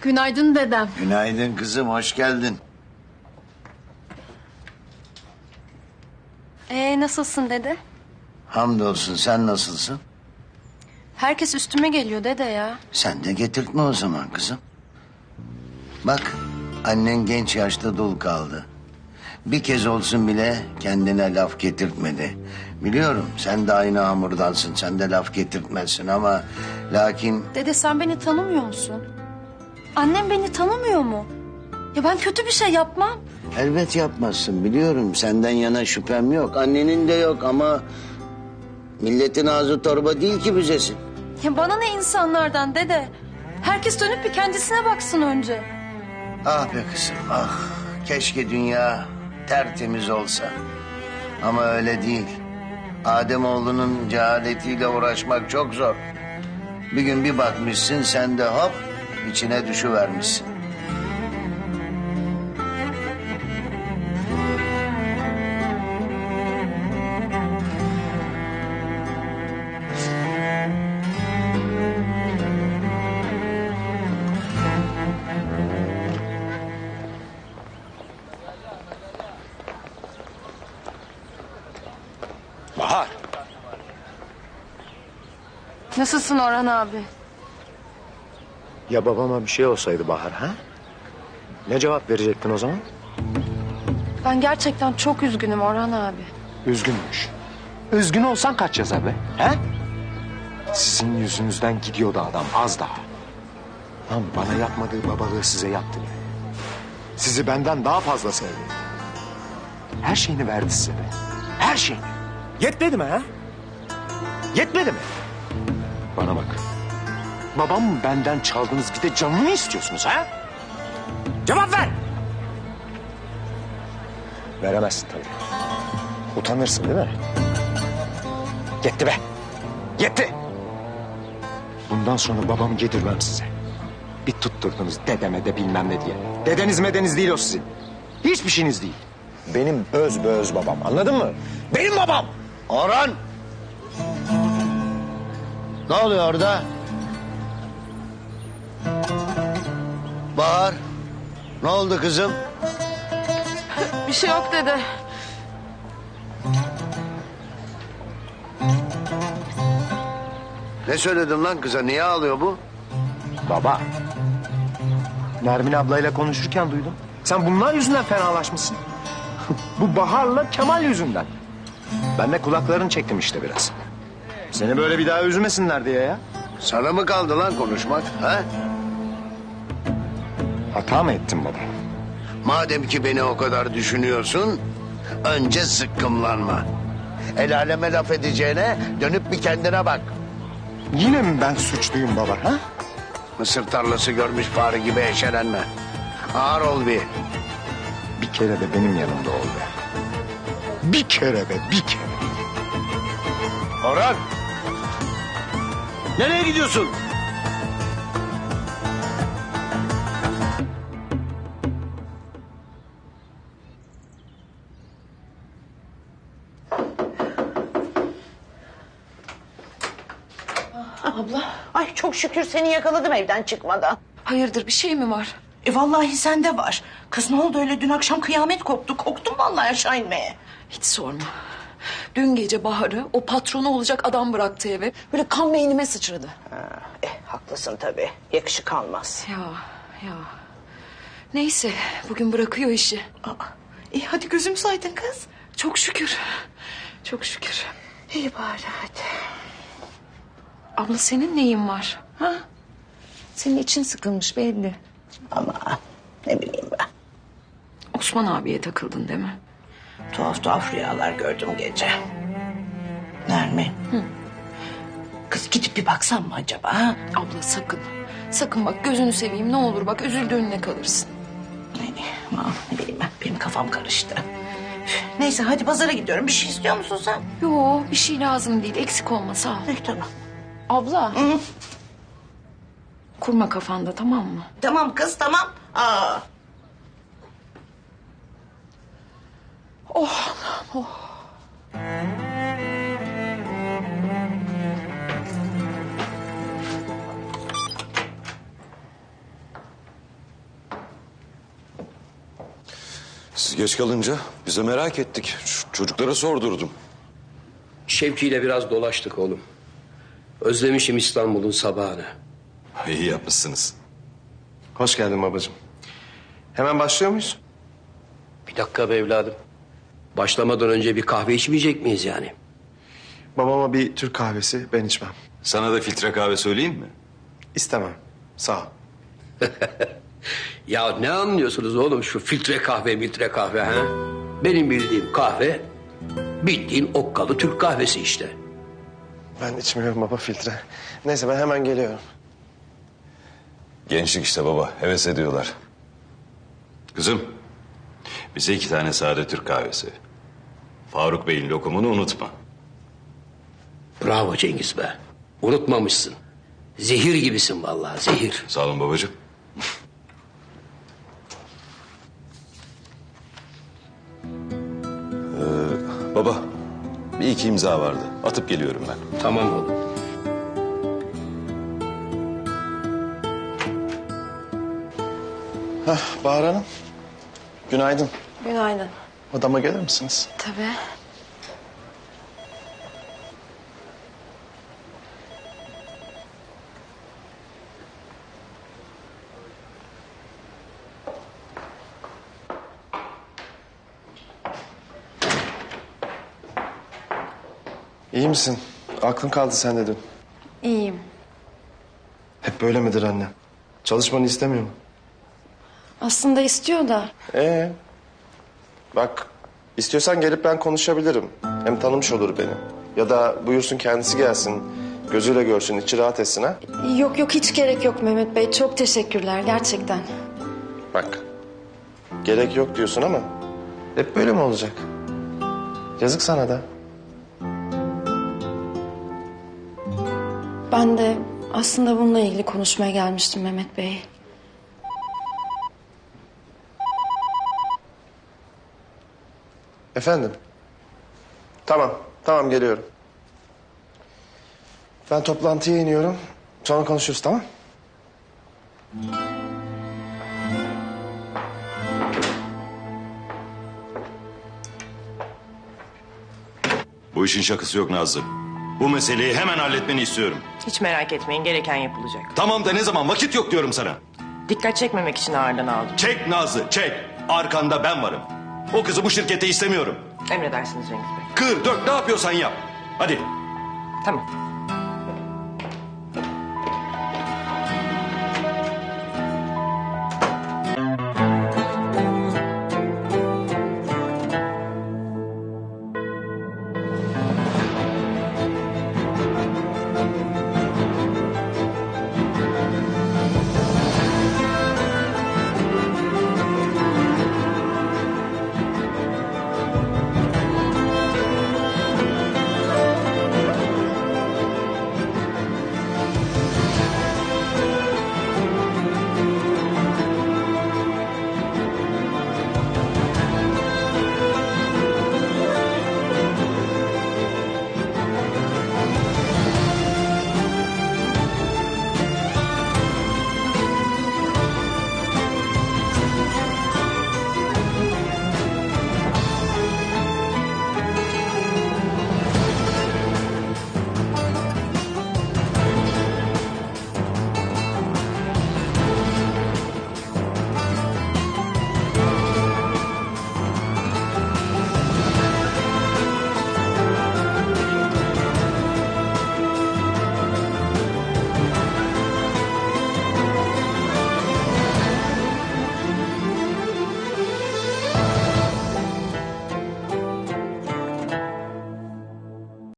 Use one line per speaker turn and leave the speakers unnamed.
Günaydın dedem.
Günaydın kızım, hoş geldin.
Nasılsın dede?
Hamdolsun, sen nasılsın?
Herkes üstüme geliyor dede ya.
Sen de getirtme o zaman kızım. Bak, annen genç yaşta dul kaldı. Bir kez olsun bile kendine laf getirtmedi. Biliyorum sen de aynı hamurdansın, sen de laf getirtmezsin ama... Lakin
Dede sen beni tanımıyor musun? Annem beni tanımıyor mu? Ya ben kötü bir şey yapmam.
elbet yapmazsın, biliyorum. Senden yana şüphem yok, annenin de yok ama... Milletin ağzı torba değil ki büzesin.
Ya bana ne insanlardan dede? Herkes dönüp bir kendisine baksın önce.
Ah be kızım, ah. Keşke dünya tertemiz olsa. Ama öyle değil. Ademoğlunun cehaletiyle uğraşmak çok zor. Bir gün bir bakmışsın, sen de hop içine düşüvermişsin.
Bahar.
Nasılsın Orhan abi?
Ya babama bir şey olsaydı Bahar ha? Ne cevap verecektin o zaman?
Ben gerçekten çok üzgünüm Orhan abi.
Üzgünmüş. Üzgün olsan kaç yazar be? He? Sizin yüzünüzden gidiyordu adam az daha. Lan bana yapmadığı babalığı size yaptı. Sizi benden daha fazla sevdi. Her şeyini verdi size be. Her şeyini. Yetmedi mi ha? Yetmedi mi? Bana bak. Babam benden çaldınız, bir de canını istiyorsunuz ha? Cevap ver. Veremezsin tabii. Utanırsın değil mi? Yetti be. Yetti. Bundan sonra babamı yedirmem size. Bir tutturdunuz dedeme de bilmem ne diye. Dedeniz medeniz değil o sizin. Hiçbir şeyiniz değil. Benim öz babam, anladın mı? Benim babam.
Orhan! Ne oluyor orada? Bahar, ne oldu kızım?
Bir şey yok dede.
Ne söyledin lan kıza, niye ağlıyor bu?
Baba. Nermin ablayla konuşurken duydum. Sen bunlar yüzünden fenalaşmışsın. Bu Bahar'la Kemal yüzünden. Ben de kulaklarını çektim işte biraz. Seni böyle bir daha üzmesinler diye ya.
Sana mı kaldı lan konuşmak, ha?
Hata mı ettim baba?
Madem ki beni o kadar düşünüyorsun, önce sıkkımlanma. El aleme laf edeceğine dönüp bir kendine bak.
Yine mi ben suçluyum baba ha?
Mısır tarlası görmüş fare gibi eşelenme. Ağır ol bir.
Bir kere de benim yanımda ol be. Bir kere be, bir kere.
Orhan! Nereye gidiyorsun?
Abla. Ay çok şükür seni yakaladım evden çıkmadan.
Hayırdır bir şey mi var?
Vallahi sende var. Kız ne oldu öyle, dün akşam kıyamet koptu. Korktum vallahi aşağı inmeye.
Hiç sorma. Dün gece Bahar'ı o patronu olacak adam bıraktı eve. Böyle kan beynime sıçradı.
Haklısın tabii. Yakışık almaz.
Ya. Neyse bugün bırakıyor işi.
İyi hadi gözüm saydın kız.
Çok şükür. Çok şükür.
İyi bari hadi.
Abla senin neyin var? Ha? Senin için sıkılmış belli.
Ama ne bileyim ben.
Osman abiye takıldın değil mi?
Tuhaf tuhaf rüyalar gördüm gece. Nermin. Kız gidip bir baksam mı acaba ha?
Abla sakın. Sakın bak gözünü seveyim ne olur bak üzüldüğünle kalırsın.
Aman ne bileyim ben, benim kafam karıştı. Neyse hadi pazara gidiyorum. Bir şey istiyor musun sen?
Yo bir şey lazım değil eksik olma sağ ol.
Tamam.
Abla. Kurma kafanda tamam mı?
Tamam kız tamam.
Siz geç kalınca bize merak ettik. Çocuklara sordurdum.
Şevki ile biraz dolaştık oğlum. Özlemişim İstanbul'un sabahını.
İyi yapmışsınız.
Hoş geldin babacığım. Hemen başlıyor muyuz?
Bir dakika be evladım. Başlamadan önce bir kahve içmeyecek miyiz yani?
Babama bir Türk kahvesi, ben içmem.
Sana da filtre kahve söyleyeyim mi?
İstemem. Sağ ol.
Ya ne anlıyorsunuz oğlum şu filtre kahve ha? Benim bildiğim kahve bildiğin okkalı Türk kahvesi işte.
Ben içmiyorum baba filtre. Neyse ben hemen geliyorum.
Gençlik işte baba. Heves ediyorlar. Kızım. Bize 2 tane sade Türk kahvesi. Faruk Bey'in lokumunu unutma.
Bravo Cengiz be. Unutmamışsın. Zehir gibisin vallahi zehir.
Sağ olun babacığım. Baba. Bir 2 imza vardı. Atıp geliyorum ben.
Tamam oğlum.
Bahar Hanım. Günaydın.
Günaydın.
Odama gelir misiniz?
Tabii.
İyi misin? Aklın kaldı sende dün.
İyiyim.
Hep böyle midir anne? Çalışmanı istemiyor mu?
Aslında istiyor da.
Bak istiyorsan gelip ben konuşabilirim. Hem tanımış olur beni. Ya da buyursun kendisi gelsin. Gözüyle görsün, içi rahat etsin ha.
Yok yok hiç gerek yok Mehmet Bey. Çok teşekkürler gerçekten.
Bak gerek yok diyorsun ama hep böyle mi olacak? Yazık sana da.
Ben de aslında bununla ilgili konuşmaya gelmiştim Mehmet Bey.
Efendim? Tamam geliyorum. Ben toplantıya iniyorum. Sonra konuşuruz tamam?
Bu işin şakası yok Nazlı. Bu meseleyi hemen halletmeni istiyorum.
Hiç merak etmeyin, gereken yapılacak.
Tamam da ne zaman? Vakit yok diyorum sana.
Dikkat çekmemek için ağırdan aldım.
Çek Nazlı, çek. Arkanda ben varım. O kızı bu şirkete istemiyorum.
Emredersiniz Cengiz Bey.
Kır, dök, ne yapıyorsan yap. Hadi.
Tamam.